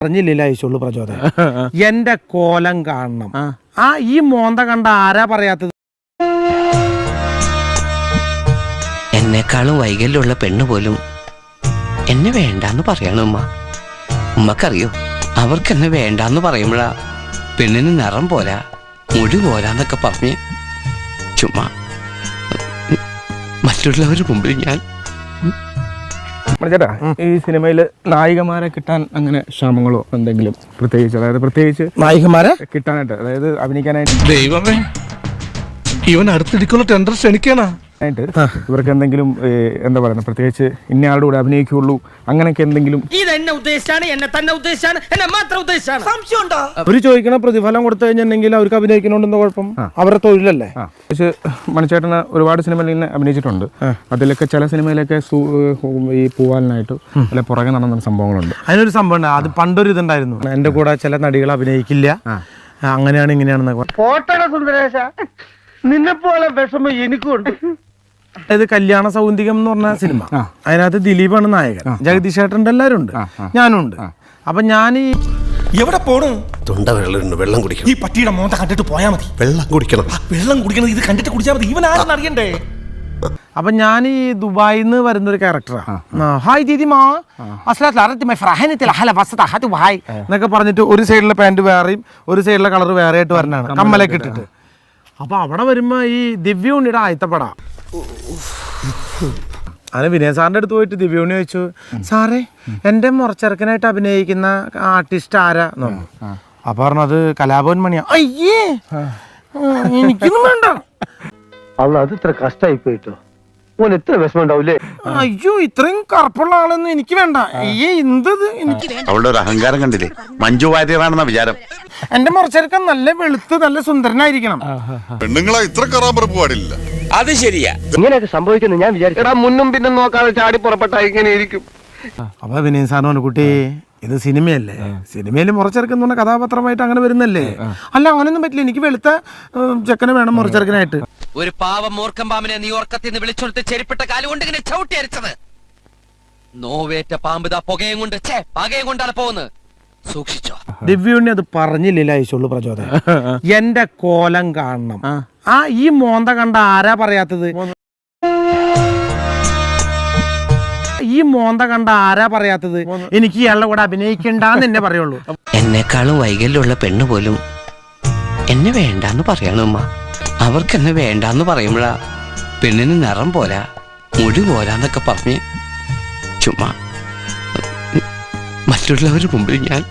പറഞ്ഞില്ല ഐശുള്ളു പ്രചോദനം. എന്റെ കോലം കാണണം. ഈ മോന്ത കണ്ട ആരാ പറയാത്തത്? എന്നെക്കാളും വൈകല്യമുള്ള പെണ്ണ് പോലും എന്നെ വേണ്ടാന്ന് പറയണം ഉമ്മ. ഉമ്മക്കറിയോ, അവർക്കെന്നെ വേണ്ടാന്ന് പറയുമ്പോഴാ പെണ്ണിന് നിറം പോരാ, മുടി പോരാന്നൊക്കെ പറഞ്ഞ് ചുമ്മാ മറ്റുള്ളവരുടെ മുമ്പിൽ ഞാൻ. ചേട്ടാ, ഈ സിനിമയില് നായികമാരെ കിട്ടാൻ അങ്ങനെ ക്ഷാമങ്ങളോ എന്തെങ്കിലും പ്രത്യേകിച്ച് നായികമാരെ കിട്ടാനായിട്ട്, അതായത് അഭിനയിക്കാനായിട്ട് ദൈവമേ, ഇവൻ അടുത്തിടിക്കുള്ള ടെൻഡർ ക്ഷണിക്കാനാ ഇവർക്ക് എന്തെങ്കിലും എന്താ പറയുക, പ്രത്യേകിച്ച് ഇന്നയാളുടെ കൂടെ അഭിനയിക്കുള്ളൂ അങ്ങനെയൊക്കെ എന്തെങ്കിലും? അവര് ചോദിക്കണ പ്രതിഫലം കൊടുത്തു കഴിഞ്ഞിട്ടുണ്ടെങ്കിൽ അവർക്ക് അഭിനയിക്കണോണ്ടെന്ന് കുഴപ്പം? അവരുടെ തൊഴിലല്ലേ. പക്ഷെ മണിച്ചേട്ടന് ഒരുപാട് സിനിമയിൽ ഇങ്ങനെ അഭിനയിച്ചിട്ടുണ്ട്. അതിലൊക്കെ ചില സിനിമയിലൊക്കെ ഈ പൂവാലിനായിട്ട് അല്ലെ പുറകെ നടന്ന സംഭവങ്ങളുണ്ട്. അതിനൊരു സംഭവം ഉണ്ട്. അത് പണ്ടൊരു ഇതുണ്ടായിരുന്നു, എന്റെ കൂടെ ചില നടികൾ അഭിനയിക്കില്ല, അങ്ങനെയാണ് ഇങ്ങനെയാണെന്നൊക്കെ. പോട്ടട സുന്ദരേശ, നിന്നെപ്പോലെ വിഷമം എനിക്കുണ്ട്. അതായത് കല്യാണ സൗന്ദര്യം എന്ന് പറഞ്ഞ സിനിമ, അതിനകത്ത് ദിലീപാണ് നായകൻ, ജഗദീഷ് ചേട്ടൻ്റെ എല്ലാവരും ഉണ്ട്, ഞാനും ഉണ്ട്. അപ്പൊ ഞാൻ എവിടെ പോണു? തൊണ്ട വെള്ളം കുടിക്കണം. ഈ പട്ടിയുടെ മോന്ത കണ്ടിട്ട് പോയാ മതി. വെള്ളം കുടിക്കണം. വെള്ളം കുടിക്കണം, ഇത് കണ്ടിട്ട് കുടിച്ചാൽ മതി. ഇവൻ ആരെന്ന് അറിയണ്ടേ? അപ്പൊ ഞാൻ ഈ ദുബായിൽ നിന്ന് വരുന്ന ഒരു ക്യാരക്ടറാണ്. ഹായ് ദീദി മാ എന്നൊക്കെ പറഞ്ഞിട്ട് ഒരു സൈഡിലെ പാന്റ് വേറെയും ഒരു സൈഡിലെ കളർ വേറെ ആയിട്ട് വരണാണ്, കമ്മലൊക്കെ ഇട്ടിട്ട്. അപ്പൊ അവിടെ വരുമ്പോ ഈ ദിവ്യ ഉണ്ണിയുടെ ആയത്തപ്പട. അങ്ങനെ വിനയ സാറിന്റെ അടുത്ത് പോയിട്ട് ദിവ്യ ഉണ്ണി ചോദിച്ചു, സാറേ എന്റെ മുറച്ചെറുക്കനായിട്ട് അഭിനയിക്കുന്ന ആർട്ടിസ്റ്റ് ആരാ എന്ന് പറഞ്ഞു. അപ്പൊ പറഞ്ഞത് കലാഭവൻ മണിയാ. അയ്യേ, എനിക്കൊന്നും വേണ്ട. അല്ല, അത് ഇത്ര കഷ്ടായി പോയിട്ടോ. ഓൻ എത്ര വിഷമം ഉണ്ടാവൂലേ? അയ്യോ, ഇത്രയും കറുപ്പുള്ള ആളൊന്നും എനിക്ക് വേണ്ട. അയ്യേ, എന്തത് എനിക്ക്. അവളുടെ ഒരു അഹങ്കാരം കണ്ടില്ലേ? മഞ്ജു വാര്യറാണെന്ന വിചാരം. എന്റെ മുറച്ചെറുക്കൻ നല്ല വെളുത്ത് നല്ല സുന്ദരനായിരിക്കണം. പെണ്ണുങ്ങളെ ഇത്ര കറാമ്പറപ്പ് പാടില്ല. അത് ശരിയാ. ഇങ്ങനെയൊക്കെ സംഭവിക്കുന്നു ഞാൻ വിചാരിച്ചു. മുന്നും പിന്നും നോക്കാതെ ചാടി പുറപ്പെട്ട ഇങ്ങനെ ഇരിക്കും. അപ്പൊ വിനയൻ സാറിന് കുട്ടി, ഇത് സിനിമയല്ലേ, സിനിമയിൽ മുറച്ചെറുക്കെന്ന് പറഞ്ഞ കഥാപാത്രമായിട്ട് അങ്ങനെ വരുന്നല്ലേ. അല്ല, അങ്ങനെയൊന്നും പറ്റില്ല, എനിക്ക് വെളുത്ത ചെക്കനെ വേണം മുറച്ചെറുക്കനായിട്ട്. ഒരു പാവം മൂർഖം പാമ്പിനെ നീ ഉറക്കത്തിൽ നിന്ന് വിളിച്ചെടുത്ത് ചെരുപ്പിട്ട കാലുകൊണ്ട് ഇങ്ങനെ ചവിട്ടി അരച്ചത്. നോവേറ്റ പാമ്പ് പുകയും കൊണ്ട് പകയും കൊണ്ടാണ് പോകുന്നത്, സൂക്ഷിച്ചോ. ദിവ്യുണ്ണി അത് പറഞ്ഞില്ല ഐശുള്ളു പ്രചോദനം. എന്റെ കോലം കാണണം. ഈ മോന്ത കണ്ട ആരാ പറയാത്തത്? ഈ മോന്ത കണ്ട ആരാ പറയാത്തത്? എനിക്ക് ഇയാളുടെ കൂടെ അഭിനയിക്കണ്ടെന്ന് എന്നെ പറയുള്ളൂ. എന്നെക്കാളും വൈകല്യമുള്ള പെണ്ണ് പോലും എന്നെ വേണ്ടാന്ന് പറയണം ഉമ്മ. അവർക്കെന്നെ വേണ്ടാന്ന് പറയുമ്പോഴാ പെണ്ണിന് നിറം പോരാ, മുടി പോരാന്നൊക്കെ പറഞ്ഞ് ചുമ്മാ മറ്റുള്ളവരുടെ മുമ്പിൽ ഞാൻ.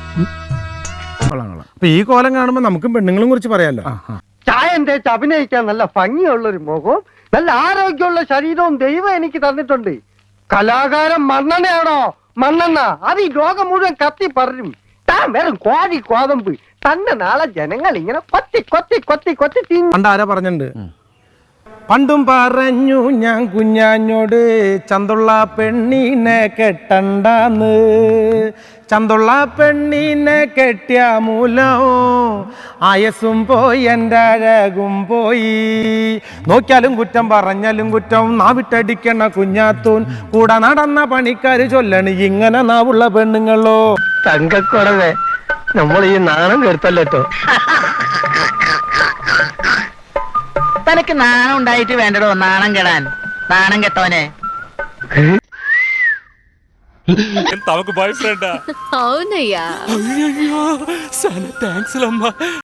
അപ്പൊ ഈ കോലം കാണുമ്പോ നമുക്കും പെണ്ണുങ്ങളും കുറിച്ച് പറയാലോ. ചായം തേച്ച് അഭിനയിക്കാൻ നല്ല ഭംഗിയുള്ളൊരു മുഖവും നല്ല ആരോഗ്യമുള്ള ശരീരവും ദൈവം എനിക്ക് തന്നിട്ടുണ്ട്. കലാകാരൻ മണ്ണെണ്ണയാണോ? മണ്ണെണ്ണ അത് ഈ ലോകം മുഴുവൻ കത്തി പറയും. താൻ വെറും കോഴി കോതമ്പ്. തന്നെ നാളെ ജനങ്ങൾ ഇങ്ങനെ കൊത്തി കൊത്തി കൊത്തി കൊത്തി തിന്നു. പണ്ട് ആരാ പറഞ്ഞിട്ടുണ്ട്, പണ്ടും പറഞ്ഞു ഞാൻ കുഞ്ഞാഞ്ഞോട് ചന്തുള്ള പെണ്ണിനെ കെട്ടണ്ടാന്ന്. ചന്തുള്ള പെണ്ണിനെ കെട്ടിയ മൂലം ആയസും പോയി എൻ്റെ അഴകും പോയി. നോക്കിയാലും കുറ്റം പറഞ്ഞാലും കുറ്റം, നാവിട്ടടിക്കണ കുഞ്ഞാത്തൂൻ കൂടെ നടന്ന പണിക്കാര് ചൊല്ലണ് ഇങ്ങനെ നാവുള്ള പെണ്ണുങ്ങളോ. തങ്കക്കുറവേ, നമ്മൾ ഈ നാണം കെടുത്തല്ലോ. തനക്ക് നാണം ഉണ്ടായിട്ട് വേണ്ടടോ നാണം കെടാൻ. നാണം കെട്ടോനെ తమకు బాయ్ ఫ్రెండా? అవునయ్యా. అయ్యయ్యో, చాలా థ్యాంక్స్ అమ్మా.